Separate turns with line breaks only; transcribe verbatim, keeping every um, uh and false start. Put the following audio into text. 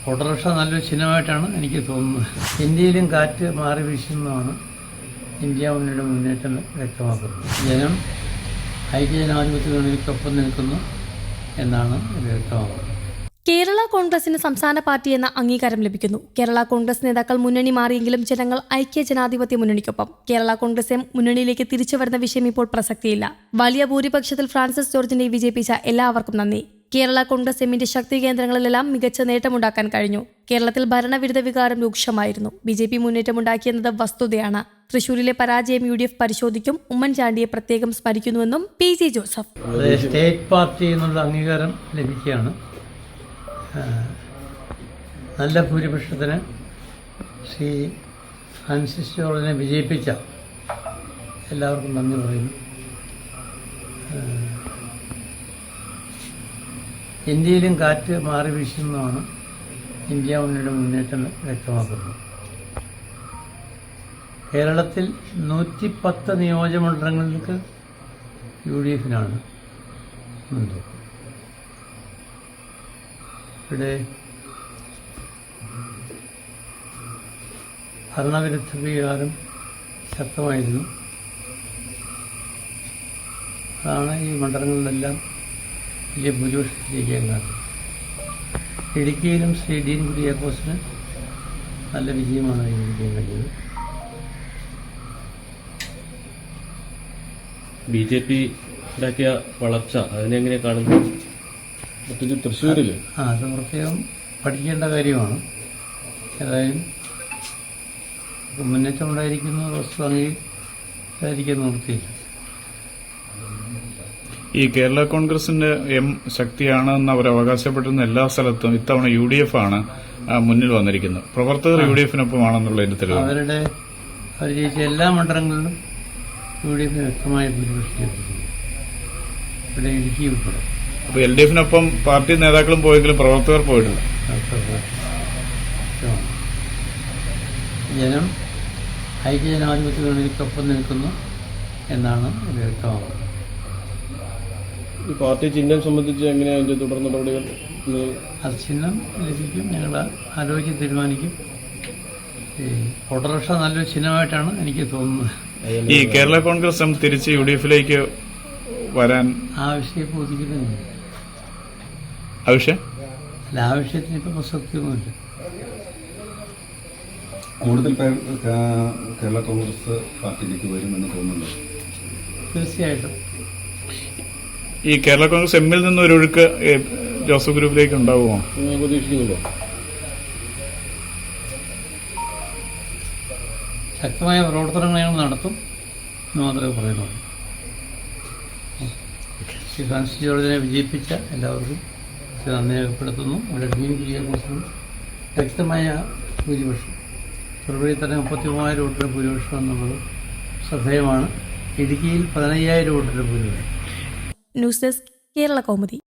Autorickshaw നല്ലൊരു ചിഹ്നമായിട്ടാണ് എനിക്ക് തോന്നുന്നത്. ഇന്ത്യയിലും കാറ്റ് മാറി വീശുന്നതാണ് ഇന്ത്യ മുന്നണിയുടെ മുന്നേറ്റം വ്യക്തമാക്കുന്നത്. ജനം ഐക്യജനാധിപത്യ മുന്നണിക്കൊപ്പം നിൽക്കുന്നു എന്നാണ് ഇത് വ്യക്തമാക്കുന്നത്.
കേരള കോൺഗ്രസിന് സംസ്ഥാന പാർട്ടി എന്ന അംഗീകാരം ലഭിക്കുന്നു. കേരള കോൺഗ്രസ് നേതാക്കൾ മുന്നണി മാറിയെങ്കിലും ജനങ്ങൾ ഐക്യ ജനാധിപത്യ മുന്നണിക്കൊപ്പം. കേരള കോൺഗ്രസ് എം മുന്നണിയിലേക്ക് തിരിച്ചു വരുന്ന വിഷയം ഇപ്പോൾ പ്രസക്തിയില്ല. വലിയ ഭൂരിപക്ഷത്തിൽ ഫ്രാൻസിസ് ജോർജിനെ വിജയിപ്പിച്ച എല്ലാവർക്കും നന്ദി. കേരള കോൺഗ്രസ് എമ്മിന്റെ ശക്തി കേന്ദ്രങ്ങളിലെല്ലാം മികച്ച നേട്ടമുണ്ടാക്കാൻ കഴിഞ്ഞു. കേരളത്തിൽ ഭരണവിരുദ്ധ വികാരം രൂക്ഷമായിരുന്നു. ബി ജെ പി മുന്നേറ്റമുണ്ടാക്കിയെന്നത് വസ്തുതയാണ്. തൃശൂരിലെ പരാജയം യു ഡി എഫ് പരിശോധിക്കും. ഉമ്മൻചാണ്ടിയെ പ്രത്യേകം സ്മരിക്കുന്നുവെന്നും പി ജെ ജോസഫ്.
സ്റ്റേറ്റ് പാർട്ടി എന്നുള്ള അംഗീകാരം ലഭിക്കുകയാണ്. നല്ല ഭൂരിപക്ഷത്തിന് ശ്രീ ഫ്രാൻസിസ് ജോർജിനെ വിജയിപ്പിച്ച എല്ലാവർക്കും നന്ദി പറയുന്നു. ഇന്ത്യയിലും കാറ്റ് മാറി വീശുന്നതാണ് ഇന്ത്യ മുന്നണിയുടെ മുന്നേറ്റം വ്യക്തമാക്കുന്നത്. കേരളത്തിൽ നൂറ്റി പത്ത് നിയോജകമണ്ഡലങ്ങൾക്ക് യു ഡി എഫിനാണ് മുൻതൂക്കം. ഇവിടെ ഭരണവിരുദ്ധ വികാരം ശക്തമായിരുന്നു. അതാണ് ഈ മണ്ഡലങ്ങളിലെല്ലാം വലിയ ഭൂരിപക്ഷത്തിലേക്ക് കാരണം. ഇടുക്കിയിലും ശ്രീ ഡീൻ കുര്യാക്കോസിന് നല്ല വിജയമാണ് കൈവരിക്കാൻ കഴിഞ്ഞത്.
ബി ജെ പി ഉണ്ടാക്കിയ വളർച്ച അതിനെങ്ങനെ കാണുന്നു? തൃശ്ശൂരിൽ
ആ അത് പ്രത്യേകം പഠിക്കേണ്ട കാര്യമാണ്. ഏതായാലും മുന്നേറ്റം ഉണ്ടായിരിക്കുന്ന വസ്തു അംഗീകരിക്കാൻ നിർത്തിയില്ല.
ഈ കേരള കോൺഗ്രസിന്റെ എം ശക്തിയാണെന്ന് അവർ അവകാശപ്പെട്ടിരുന്ന എല്ലാ സ്ഥലത്തും ഇത്തവണ യു ഡി എഫ് ആണ് മുന്നിൽ വന്നിരിക്കുന്നത്. പ്രവർത്തകർ യു ഡി എഫിനൊപ്പമാണെന്നുള്ളതിന്റെ തെളിവ്.
അവരുടെ അവർ ജയിച്ച എല്ലാ മണ്ഡലങ്ങളിലും യു ഡി എഫിന് വ്യക്തമായ ഭൂരിപക്ഷം ലഭിക്കുന്നു. ഇവിടെ ഇടുക്കി ഉൾപ്പെടെ.
അപ്പൊ എൽ ഡി എഫിനൊപ്പം പാർട്ടി നേതാക്കളും പോയെങ്കിലും പ്രവർത്തകർ പോയിട്ടില്ല.
ജനം ഐക്യജനാധിപത്യ മുന്നണിക്കൊപ്പം നിൽക്കുന്നു എന്നാണ് ഇത് വ്യക്തമാകുന്നത്.
ഈ പാർട്ടി ചിഹ്നം സംബന്ധിച്ച് എങ്ങനെയാണ് അതിന്റെ തുടർ നടപടികൾ?
അത് ചിഹ്നം ലഭിക്കും, ഞങ്ങൾ ആലോചിച്ച് തീരുമാനിക്കും. ഈ ഓട്ടോറിക്ഷ നല്ലൊരു ചിഹ്നമായിട്ടാണ് എനിക്ക് തോന്നുന്നത്.
ഈ കേരള കോൺഗ്രസ് എം തിരിച്ച് യു ഡി എഫിലേക്ക് വരാൻ
ആവശ്യം ബോധിക്കുന്നില്ല.
ആവശ്യം
അല്ല, ആവശ്യത്തിന് ഇപ്പം പ്രസക്തിയൊന്നുമില്ല.
കൂടുതൽ പേർ കേരള കോൺഗ്രസ് പാർട്ടിയിലേക്ക് വരുമെന്ന് തോന്നുന്നു.
തീർച്ചയായിട്ടും
ഈ കേരള കോൺഗ്രസ് എമ്മിൽ നിന്ന് ഒരു ഒഴുക്ക് ജോസഫ് ഗ്രൂപ്പിലേക്ക് ഉണ്ടാവുമോ
പ്രതീക്ഷിക്കുന്നുണ്ടോ?
ശക്തമായ പ്രവർത്തനങ്ങൾ ഞങ്ങൾ നടത്തും എന്ന് മാത്രമേ പറയുന്നുള്ളൂ. ശ്രീ ഫ്രാൻസിസ് ജോർജിനെ വിജയിപ്പിച്ച എല്ലാവർക്കും നന്ദി രേഖപ്പെടുത്തുന്നു. ഇവിടെ ഡീൻ കുര്യാക്കോസിനും വ്യക്തമായ ഭൂരിപക്ഷം, ഫെബ്രുവരി തന്നെ മുപ്പത്തി മൂവായിരം വോട്ടിൻ്റെ ഭൂരിപക്ഷം എന്നുള്ളത് ശ്രദ്ധേയമാണ്. ഇടുക്കിയിൽ പതിനയ്യായിരം വോട്ടിൻ്റെ ഭൂരിപക്ഷം.
News desk Kerala Kaumudi.